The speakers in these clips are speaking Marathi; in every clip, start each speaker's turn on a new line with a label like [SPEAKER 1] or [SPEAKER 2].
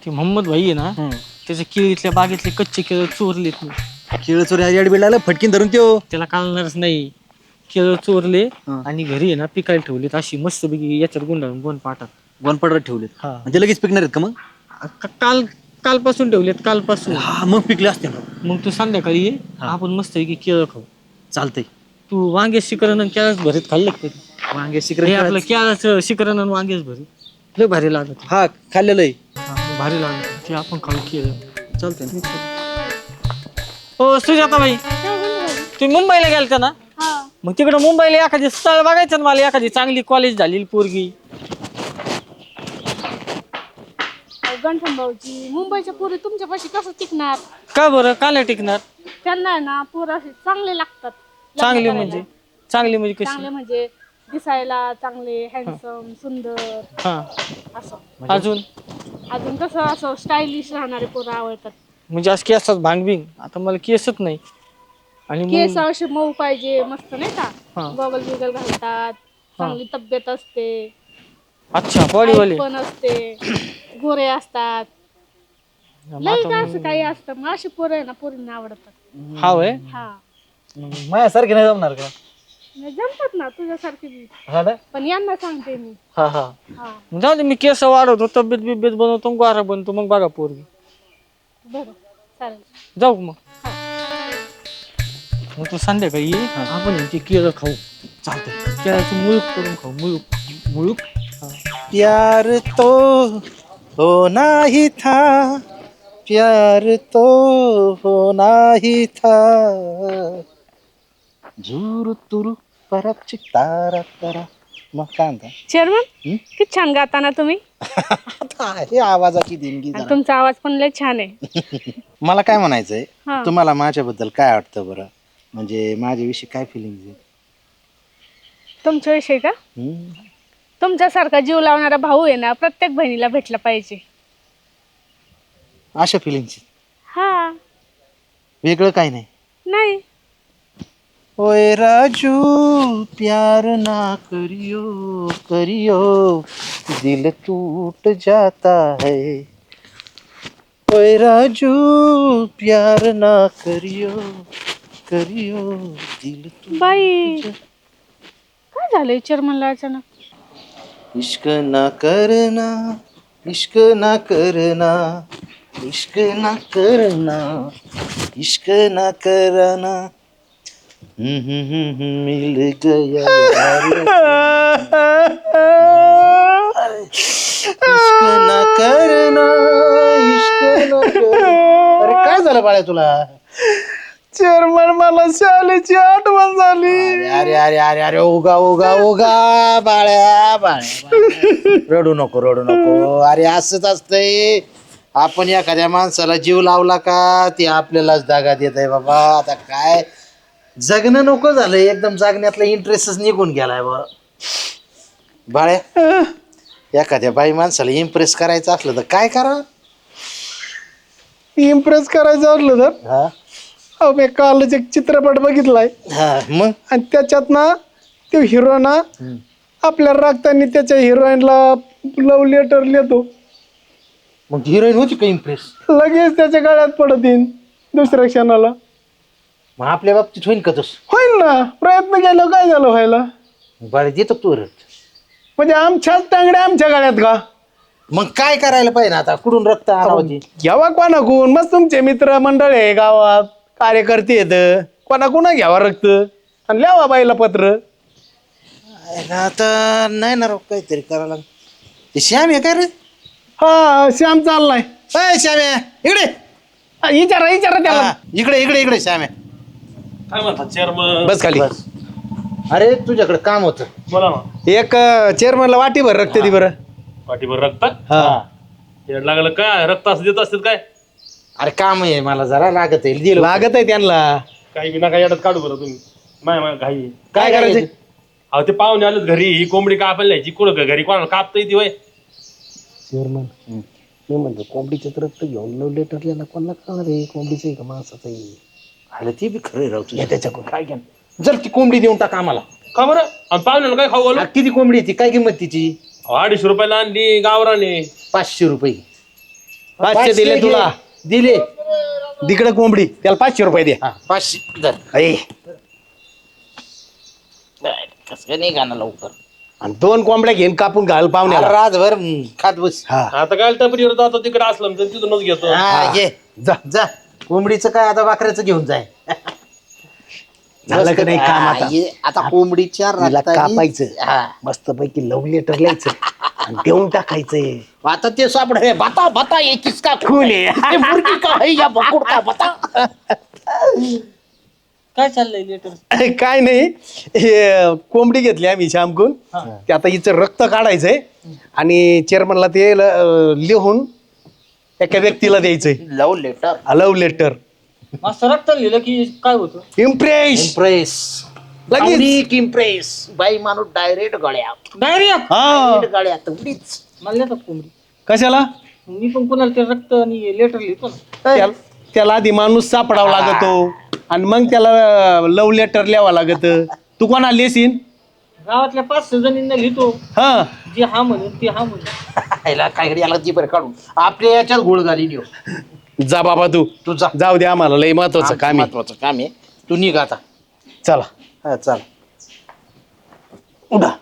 [SPEAKER 1] ते मोहम्मद भाई आहे ना त्याच्या केळीतल्या बागेतले कच्चे केळ चोरलेत मी.
[SPEAKER 2] केळ चोरी ॲड लागलं फटकीन धरून त्यो.
[SPEAKER 1] त्याला कळणारच नाही. केळ चोरले आणि घरी आहे ना पिकायला ठेवलेत अशी मस्त पैकी याच्यात गुंडाळून गोन पाटात
[SPEAKER 2] वनपडवर ठेवलेत.
[SPEAKER 1] हा.
[SPEAKER 2] म्हणजे लगेच पिकणार आहेत का मग?
[SPEAKER 1] कालपासून ठेवलेत कालपासून.
[SPEAKER 2] हा मग पिकले असते ना.
[SPEAKER 1] मग तू संध्याकाळी ये आपण मस्त पैकी केळ खाऊ.
[SPEAKER 2] चालतंय.
[SPEAKER 1] तू वांग्याच शिकरण आणि केळच भरीत खाल्लं का कधी?
[SPEAKER 2] वांगे
[SPEAKER 1] हे
[SPEAKER 2] शिकरे
[SPEAKER 1] आपलं केळाचं शिकरण आणि वांग्याच भरीत लय भारी लागत.
[SPEAKER 2] हा खाल्लेलं आहे.
[SPEAKER 1] भारी लागत ते आपण खाऊ केळ.
[SPEAKER 2] चालतंय ना.
[SPEAKER 1] हो सुजाताबाई तुम्ही मुंबईला गेलता ना मग तिकडं मुंबईला एखादी स्थळ बघायचं ना मला एखादी चांगली कॉलेज झालेली पोरगी.
[SPEAKER 3] गंठन भाऊजी मुंबईच्या पोरी तुमच्यापाशी कसं टिकणार?
[SPEAKER 1] का बरं का नाही टिकणार?
[SPEAKER 3] त्यांना आहे ना पोरं असे चांगले लागतात.
[SPEAKER 1] चांगली म्हणजे
[SPEAKER 3] चांगले
[SPEAKER 1] कशी?
[SPEAKER 3] म्हणजे दिसायला चांगले हँडसम सुंदर
[SPEAKER 1] हा
[SPEAKER 3] असं.
[SPEAKER 1] अजून
[SPEAKER 3] कसं असं स्टायलिश राहणारे पोरं आवडतात.
[SPEAKER 1] म्हणजे आज केसात भांगबिंग आता मला केसच नाही आणि
[SPEAKER 3] केस असे मऊ पाहिजे मस्त नाही
[SPEAKER 1] हा.
[SPEAKER 3] का? गॉगल बिगल घालतात चांगली तब्येत असते.
[SPEAKER 1] अच्छा बॉडीवाले
[SPEAKER 3] पण असते गोरे असतात. लई का असं काही असतं मग अशी पोरं आहे ना पोरींना आवडतात.
[SPEAKER 1] हा वय
[SPEAKER 3] हा
[SPEAKER 2] माझ्यासारखे नाही जमणार का?
[SPEAKER 3] जमतात ना तुझ्यासारखी बी.
[SPEAKER 2] हा ना.
[SPEAKER 3] पण यांना सांगते मी.
[SPEAKER 2] हा हा.
[SPEAKER 3] हा
[SPEAKER 1] जाऊ दे मी केस वाढवतो तब्येत बिब्येत बनवतो गोरा बनतो मग बघा पोरगी.
[SPEAKER 3] बरं चालेल.
[SPEAKER 1] जाऊ मग तू संध्याकाळी ये आपण ते केळं खाऊ.
[SPEAKER 2] चालतंय.
[SPEAKER 1] केळाचं मुळूक करून खाऊ मुळूक.
[SPEAKER 4] प्यार तो होना ही था, प्यार तो होना ही था, झुरु तुरु परप चिक तारा तारा. मग काय म्हणता?
[SPEAKER 3] चेअरमन किती छान गाता ना तुम्ही.
[SPEAKER 4] हे आवाजाची देणगी
[SPEAKER 3] आणि
[SPEAKER 4] जरा.
[SPEAKER 3] तुमचा आवाज पण लय छान आहे.
[SPEAKER 4] मला काय म्हणायचंय
[SPEAKER 3] हा.
[SPEAKER 4] तुम्हाला माझ्याबद्दल काय वाटतं बरं? म्हणजे माझ्याविषयी काय फिलिंग आहे?
[SPEAKER 3] तुमच्याविषयी का? तुमच्यासारखा जीव लावणारा भाऊ आहे ना प्रत्येक बहिणीला भेटला पाहिजे.
[SPEAKER 4] अशा फिलिंगची
[SPEAKER 3] हा
[SPEAKER 4] वेगळं काही नाही.
[SPEAKER 3] नाही
[SPEAKER 4] ओए राजू प्यार ना करियो करियो दिल टूट जाता है. ओए राजू प्यार ना करियो करियो दिल टूट
[SPEAKER 3] बाई काय झालंय चेअरमनला अचानक?
[SPEAKER 4] इश्क ना करना इश्क ना करना इश्क ना करना इश्क ना करना मिल गया इश्क ना करना इश्क ना करना. अरे काय झालं बाळा तुला?
[SPEAKER 1] चेअरमन मला शाळेची आठवण झाली.
[SPEAKER 4] अरे अरे अरे अरे उगा उगा उगा बाळ्या बाळ्या रडू नको रडू नको. अरे असंच असतंय आपण एखाद्या माणसाला जीव लावला का ते आपल्यालाच दागा देत आहे बाबा. आता काय जगणं नको झालंय एकदम जगण्यातला इंटरेस्टच निघून गेलाय बा बाळ्या. एखाद्या बाई माणसाला इम्प्रेस करायचं असलं तर काय करा?
[SPEAKER 5] इम्प्रेस करायचं असलं तर
[SPEAKER 4] हा
[SPEAKER 5] मी कालच एक चित्रपट बघितलाय
[SPEAKER 4] हा मग
[SPEAKER 5] आणि त्याच्यात ना तो हिरो ना आपल्या रागतानी त्याच्या हिरोईनला लव्ह लेटर लिहितो.
[SPEAKER 4] मग हिरोईन होती का इम्प्रेस?
[SPEAKER 5] लगेच त्याच्या गळ्यात पडत येईन दुसऱ्या क्षणाला.
[SPEAKER 4] मग आपल्या बाबतीत होईल का तस?
[SPEAKER 5] होईल ना. प्रयत्न केला काय झालं व्हायला?
[SPEAKER 4] बाळ्या देतो तू रड.
[SPEAKER 5] म्हणजे आमच्याच टांगड्या आमच्या गळ्यात का?
[SPEAKER 4] मग काय करायला पाहिजे आता? कुठून रक्त आणावं?
[SPEAKER 5] घ्यावा कोणाकून? मग तुमचे मित्र मंडळ आहे गावात कार्यकर्ते येत कोणाकुणा घ्यावा रक्त आणि लिहावा बाईला पत्र.
[SPEAKER 4] आता नाही ना राव काहीतरी करायला लागेल. ते श्याम आहे काय रे?
[SPEAKER 5] हा श्याम चाललाय.
[SPEAKER 4] अय श्याम आहे इकडे.
[SPEAKER 5] विचारा विचारा त्याला.
[SPEAKER 4] हा, इकडे इकडे इकडे श्याम आहे.
[SPEAKER 6] काय म्हणतात चेअरमन?
[SPEAKER 5] बस खाली.
[SPEAKER 4] बस. अरे तुझ्याकडे काम होतं.
[SPEAKER 6] बोला ना.
[SPEAKER 5] एक चेअरमनला वाटीभर रक्त दे बरं.
[SPEAKER 6] पाठीभर रक्त
[SPEAKER 5] हा
[SPEAKER 6] येड लागलं काय? रक्त असं देत असतात काय?
[SPEAKER 4] अरे काम आहे मला जरा लागत आहे दिलं.
[SPEAKER 5] लागत आहे त्यांना.
[SPEAKER 6] काही विना काही येतात काढू बरं तुम्ही. माय घाई आहे.
[SPEAKER 5] काय करायचं?
[SPEAKER 6] अहो ते पाहुणे आलेत घरी. ही कोंबडी कापायला न्यायची. कुठं घरी कोणाला कापता येते वय?
[SPEAKER 5] चेअरमन मी म्हणतो कोंबडीचं रक्त घेऊन लव लेटर लिहायला कोणाला कळणार आहे कोंबडीचं आहे का माणसाचं आहे?
[SPEAKER 4] अरे ते बी खरं राहू तुझ्या.
[SPEAKER 5] त्याच्याकडून काय घ्या.
[SPEAKER 4] जर ती कोंबडी देऊन टाक आम्हाला.
[SPEAKER 6] का बरं? आणि पाहुण्याला काय खाऊ घालू?
[SPEAKER 4] अरे किती कोंबडी ती? काय किंमत तिची?
[SPEAKER 6] 250 रुपयाला आणली गावराने.
[SPEAKER 4] 500 रुपये.
[SPEAKER 5] 500 दिले तुला.
[SPEAKER 4] दिले.
[SPEAKER 5] तिकडे कोंबडी त्याला 500 रुपये दे.
[SPEAKER 4] 500 धर.
[SPEAKER 5] ऐ,
[SPEAKER 4] कसं काय नाही गाणं लवकर.
[SPEAKER 5] आणि 2 कोंबड्या घेऊन कापून घाल पाहुण्याला.
[SPEAKER 4] रातभर खात बस.
[SPEAKER 5] हा
[SPEAKER 6] आता काय टपरीवर जातो तिकडे असलं तर तिथूनच घेतो.
[SPEAKER 4] हा, ये
[SPEAKER 5] जा.
[SPEAKER 4] जा. कोंबडीचं काय आता वाकऱ्याचं घेऊन जाय.
[SPEAKER 5] झालं का नाही काम आता?
[SPEAKER 4] ये, आता कोंबडीच्या
[SPEAKER 5] तिला
[SPEAKER 4] रक्तानी-
[SPEAKER 5] कापायचं.
[SPEAKER 4] हा.
[SPEAKER 5] मस्त पैकी लव लेटर लिहायचं आणि देऊन टाकायचंय.
[SPEAKER 4] आता ते सापड हे बता बता ये किसका
[SPEAKER 5] खून आहे.
[SPEAKER 4] ये मुर्गी का है या बकुड़ का बता.
[SPEAKER 1] काय चाललंय लेटर?
[SPEAKER 5] काय नाही, हे कोंबडी घेतली आम्ही श्यामकून. ते आता हिचं रक्त काढायचंय आणि चेअरमनला ते लिहून एका व्यक्तीला द्यायचंय.
[SPEAKER 4] Love letter.
[SPEAKER 5] Love letter.
[SPEAKER 1] मस्त रक्त लिहिलं की काय होतं?
[SPEAKER 5] Impress
[SPEAKER 4] impress.
[SPEAKER 5] लगेच.
[SPEAKER 4] इम्प्रेस बाई माणूस डायरेक्ट गळ्यात.
[SPEAKER 1] डायरिया
[SPEAKER 5] हा.
[SPEAKER 4] डायरेक्ट गळ्यात उडीच.
[SPEAKER 1] मला येतात कोंबडी.
[SPEAKER 5] कशाला?
[SPEAKER 1] मी पण कोणाला ते रक्त आणि लेटर लिहितो ना.
[SPEAKER 5] त्याला आधी माणूस सापडावा लागतो आणि मग त्याला लव लेटर लिहावं लागत. तू कोणा लिहिशील?
[SPEAKER 1] गावातल्या 5-6 जणींना लिहितो.
[SPEAKER 5] हा.
[SPEAKER 1] जे हा म्हणून ते हा म्हणून.
[SPEAKER 4] ह्याला काय घडी आला ती बरं काढून आपल्या याच्यात गोळ घाली नेऊ.
[SPEAKER 5] जा बाबा तू.
[SPEAKER 4] तू जा.
[SPEAKER 5] जाऊ दे, आम्हाला लय महत्वाचं काम आहे.
[SPEAKER 4] महत्वाचं काम आहे. तू निघ आता.
[SPEAKER 5] चला.
[SPEAKER 4] हा चल.
[SPEAKER 5] उडा.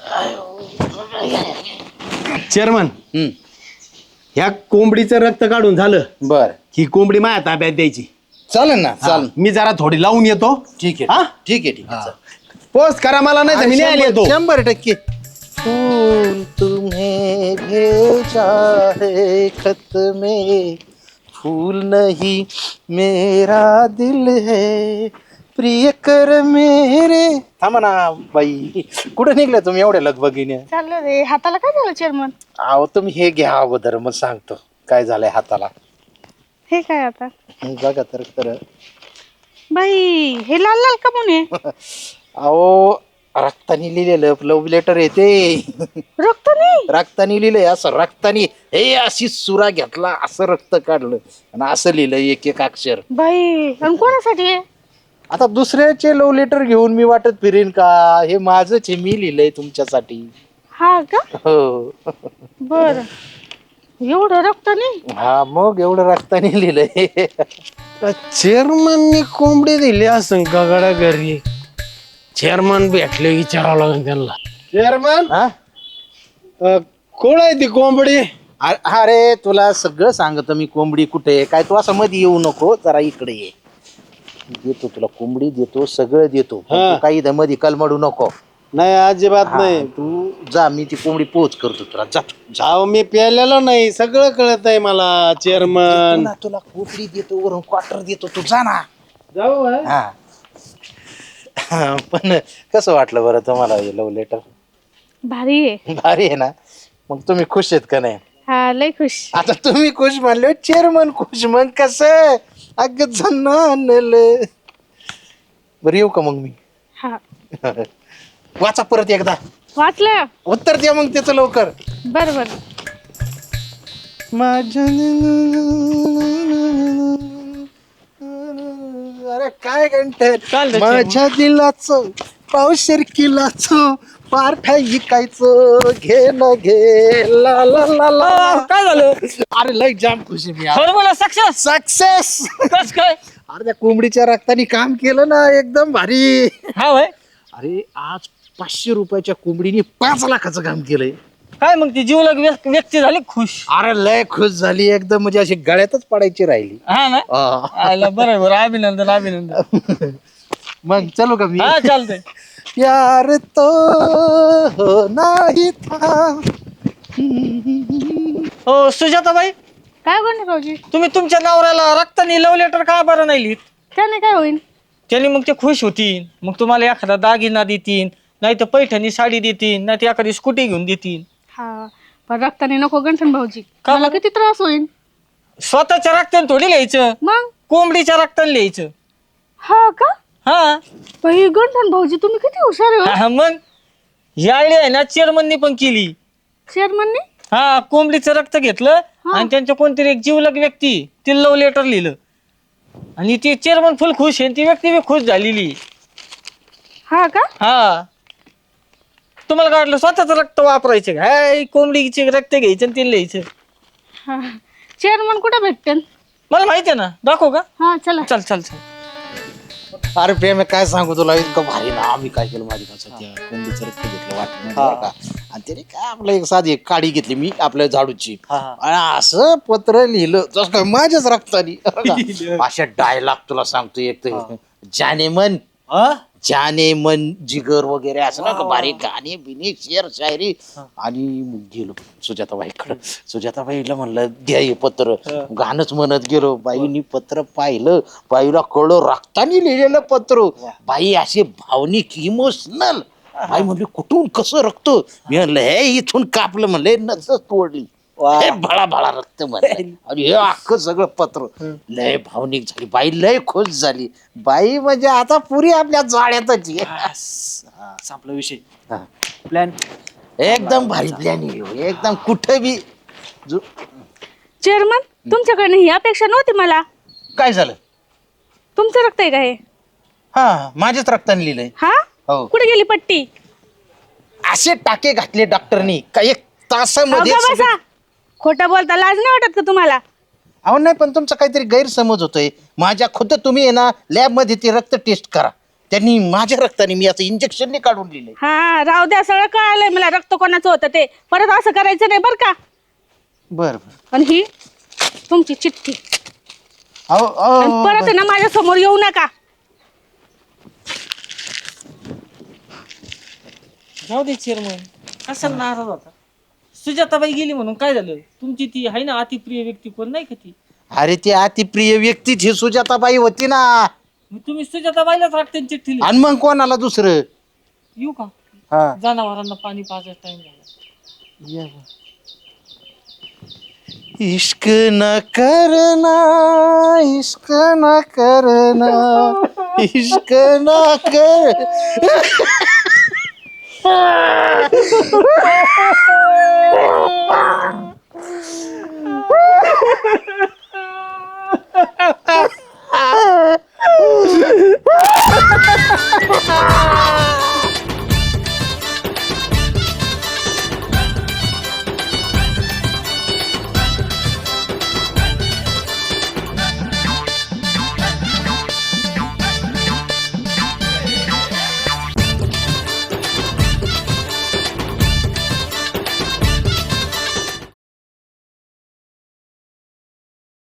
[SPEAKER 5] चेअरमन,
[SPEAKER 4] हम्म.
[SPEAKER 5] ह्या कोंबडीचं रक्त काढून झालं.
[SPEAKER 4] बर.
[SPEAKER 5] ही कोंबडी माझ्या ताब्यात द्यायची.
[SPEAKER 4] चालेल ना. चाल.
[SPEAKER 5] मी जरा थोडी लावून येतो.
[SPEAKER 4] ठीक
[SPEAKER 5] हा?
[SPEAKER 4] आहे. ठीक आहे. ठीक आहे. चल.
[SPEAKER 5] पोस्ट करा मला, नाही तर मी नाही येतो.
[SPEAKER 4] 100%. फूल तुम्हें भेजा है खत में, फूल नहीं मेरा दिल है, प्रिय कर मेरे. थांबा ना बाई, कुठे निघल्या तुम्ही एवढ्या लगबगीने?
[SPEAKER 3] चाललं रे. हाताला काय झालं चेअरमन?
[SPEAKER 4] अहो तुम्ही हे घ्या अगोदर, मग सांगतो काय झालंय हाताला.
[SPEAKER 3] हे काय आता?
[SPEAKER 4] बघा तर खरं.
[SPEAKER 3] बाई हे लाल लाल का म्हणून?
[SPEAKER 4] अहो रक्तानी लिहिलेलं लव्ह लेटर येते.
[SPEAKER 3] रक्त नाही.
[SPEAKER 4] रक्तानी लिहिलंय असं. रक्तानी हे अशी सुरा घेतला, असं रक्त काढलं आणि असं लिहिलं एक एक अक्षर.
[SPEAKER 3] बाई आणि कोणासाठी आहे?
[SPEAKER 4] आता दुसऱ्याचे लव्ह लेटर घेऊन मी वाटत फिरेन का? हे माझंच आहे, मी लिहिलंय तुमच्यासाठी.
[SPEAKER 3] हा का?
[SPEAKER 4] हो.
[SPEAKER 3] बर. एवढं रक्त नाही.
[SPEAKER 4] हा मग एवढं रक्तानी लिहिलंय.
[SPEAKER 5] चेअरमननी कोंबडी दिली असं का गड्या घरी? चेअरमन भेटले, विचारावं लागेल त्यांना. चेअरमन,
[SPEAKER 4] हा?
[SPEAKER 5] कोण आहे ती कोंबडी?
[SPEAKER 4] अरे तुला सगळं सांगतो मी, कोंबडी कुठे आहे काय. तू असं मध्ये येऊ नको, जरा इकडे ये. देतो तुला कोंबडी, देतो सगळं देतो. पण
[SPEAKER 5] हा.
[SPEAKER 4] तू काही दमधी कलमडू नको.
[SPEAKER 5] नाही, अजिबात नाही.
[SPEAKER 4] तू जा, मी ती कोंबडी पोच करतो तुला. जा.
[SPEAKER 5] जाऊ, मी प्यालेलो नाही, सगळं कळत आहे मला. चेअरमन,
[SPEAKER 4] तुला कोंबडी देतो, वरून क्वार्टर देतो, तू जा ना.
[SPEAKER 5] जाऊ.
[SPEAKER 4] हा. पण कसं वाटलं बरं तुम्हाला हे लव्ह लेटर?
[SPEAKER 3] भारी आहे.
[SPEAKER 4] भारी आहे ना? मग तुम्ही खुश आहेत का नाही?
[SPEAKER 3] हा लय खुश.
[SPEAKER 4] आता तुम्ही खुश म्हणले, चेअरमन खुश, मग कसं अग जनानलं. बरं येऊ का मग मी?
[SPEAKER 3] हा
[SPEAKER 4] वाचा परत एकदा.
[SPEAKER 3] वाचलं.
[SPEAKER 4] उत्तर द्या मग त्याचं लवकर.
[SPEAKER 3] बर बर.
[SPEAKER 4] माझ्या अरे काय
[SPEAKER 1] चालतंय,
[SPEAKER 4] घंटे माझ्या दिलाचं पावशेर किलाचं पारठा इकायचं घे न घे ला ला ला ला.
[SPEAKER 1] काय झालं?
[SPEAKER 4] अरे लय जाम खुशी मी.
[SPEAKER 1] Formula success.
[SPEAKER 4] सक्सेस.
[SPEAKER 1] कस काय?
[SPEAKER 4] अरे त्या कोंबडीच्या रक्तानी काम केलं ना, एकदम भारी.
[SPEAKER 1] हा भाई.
[SPEAKER 4] अरे आज 500 रुपयाच्या कोंबडीने 5 लाखाचं काम केलंय.
[SPEAKER 1] काय मग ती जीवलग व्यक्ती झाली खुश?
[SPEAKER 4] अरे लय खुश झाली एकदम, म्हणजे अशी गळ्यातच पडायची राहिली.
[SPEAKER 1] हा ना.
[SPEAKER 4] हा.
[SPEAKER 1] आला बरं बरं, अभिनंदन अभिनंदन.
[SPEAKER 4] मग चलो का मी?
[SPEAKER 1] हा चालतंय.
[SPEAKER 4] प्यार तो नाही था.
[SPEAKER 1] हो सुजाताबाई,
[SPEAKER 3] काय म्हणते भाऊजी?
[SPEAKER 1] तुम्ही तुमच्या नवऱ्याला रक्तानी लव्ह लेटर का बरं नाही लिहित?
[SPEAKER 3] त्याने काय होईल?
[SPEAKER 1] त्याने मग ते खुश होतील, मग तुम्हाला एखादा दागिना देतील, नाही तर पैठणी साडी देतील, नाही तर एखादी स्कूटी घेऊन देतील.
[SPEAKER 3] हा पण रक्ताने नको गंठन भाऊजी.
[SPEAKER 1] का
[SPEAKER 3] मला
[SPEAKER 1] बरं?
[SPEAKER 3] किती त्रास होईल.
[SPEAKER 1] स्वतःच्या रक्ताने थोडी लिहायचं,
[SPEAKER 3] मग
[SPEAKER 1] कोंबडीच्या रक्ताने लिहायचं.
[SPEAKER 3] हा का?
[SPEAKER 1] हा
[SPEAKER 3] बाई गंठन भाऊजी तुम्ही किती हुशार आहे हो.
[SPEAKER 1] हा, मग ही आयडिया आहे ना चेअरमननी पण केली.
[SPEAKER 3] चेअरमनने?
[SPEAKER 1] हा कोंबडीचं रक्त घेतलं आणि त्यांच्या कोणतरी एक जीवलग व्यक्ती ती लव्ह लेटर लिहिलं आणि ती चेअरमन फुल खुश आहे, ती व्यक्ती बी खुश झालेली.
[SPEAKER 3] हा का?
[SPEAKER 1] हा तुम्हाला काय वाटलं स्वतःच रक्त वापरायचं काय? कोंबडीचे रक्त घ्यायचं आणि ते लिहायचं.
[SPEAKER 3] हा चेअरमन कुठे भेटते
[SPEAKER 1] मला माहिती आहे ना, दाखव का?
[SPEAKER 3] हा चला.
[SPEAKER 1] चल चल चल.
[SPEAKER 4] अरे प्रेम काय सांगू तुला इतकं भारी ना आम्ही काय केलं माझ्या त्या कोंबडीचं रक्त घेतलं वाटलं का आणि त्याने काय आपलं एक साधी एक काडी घेतली मी आपल्या झाडूची आणि असं पत्र लिहिलं जसं काय माझ्याच रक्तानी अशा डायलॉग तुला सांगतो एक तर जाने मन जिगर वगैरे असं ना का बारीक गाणे बिने शेर शायरी आणि मग गेलो सुजाताबाईकडं. सुजाताबाईला म्हणलं द्या हे पत्र. गाणंच म्हणत गेलो. बाईनी पत्र पाहिलं, बाईला कळलं रक्तानी लिहिलेलं पत्र. बाई असे भावनिक इमोशनल. बाई म्हणली कुठून कसं रक्त? मी म्हणलं हे इथून कापलं म्हणले नसच तोडली. हे भळा भळा रक्त म्हणलं आणि हे अख्खं सगळं पत्र. लय भावनिक झाली बाई, लय खुश झाली बाई. म्हणजे आता पुरी आपल्या जाळ्यातच
[SPEAKER 2] संपला विषय. प्लॅन
[SPEAKER 4] एकदम भारी प्लॅन एकदम कुठं बी
[SPEAKER 3] चेअरमन तुमच्याकडनं ही अपेक्षा नव्हती मला.
[SPEAKER 4] काय झालं?
[SPEAKER 3] तुमचं रक्त आहे का हे?
[SPEAKER 4] हा माझ्याच रक्ताने लिहिलंय.
[SPEAKER 3] हा
[SPEAKER 4] हो.
[SPEAKER 3] कुठे गेली पट्टी?
[SPEAKER 4] असे टाके घातले डॉक्टरनी का एक तासामध्ये
[SPEAKER 3] अगं बसा. खोटं बोलता लाज नाही वाटत का तुम्हाला?
[SPEAKER 4] अहो नाही पण तुमचा काहीतरी गैरसमज होतोय. माझ्या खुद्द तुम्ही आहे ना लॅब मध्ये ते रक्त टेस्ट करा. त्यांनी माझ्या रक्ताने मी आता इंजेक्शनने काढून लिहिलंय.
[SPEAKER 3] हा राहू द्या, सगळं कळालंय मला रक्त कोणाचं होतं ते. परत असं करायचं नाही बरं का.
[SPEAKER 4] बर बर.
[SPEAKER 3] आणि ही तुमची चिठ्ठी.
[SPEAKER 4] अहो
[SPEAKER 3] आणि परत आहे ना माझ्या समोर येऊ नका.
[SPEAKER 1] जाऊ दे चेअरमन, कशाला नाराज होता? सुजाताबाई गेली म्हणून काय झालं? तुमची ती आहे ना अतिप्रिय व्यक्ती कोण नाही का ती?
[SPEAKER 4] अरे ती अतिप्रिय व्यक्ती ही सुजाताबाई होती ना.
[SPEAKER 1] मग तुम्ही सुजाताबाईलाच राखते चिठ्ठी लिहिली.
[SPEAKER 4] आणि मग कोणाला दुसरं?
[SPEAKER 1] येऊ का?
[SPEAKER 4] हा
[SPEAKER 1] जनावरांना पाणी पाजायचा टाइम झाला.
[SPEAKER 4] इश्क न करना, इश्क न करना, इश्क न कर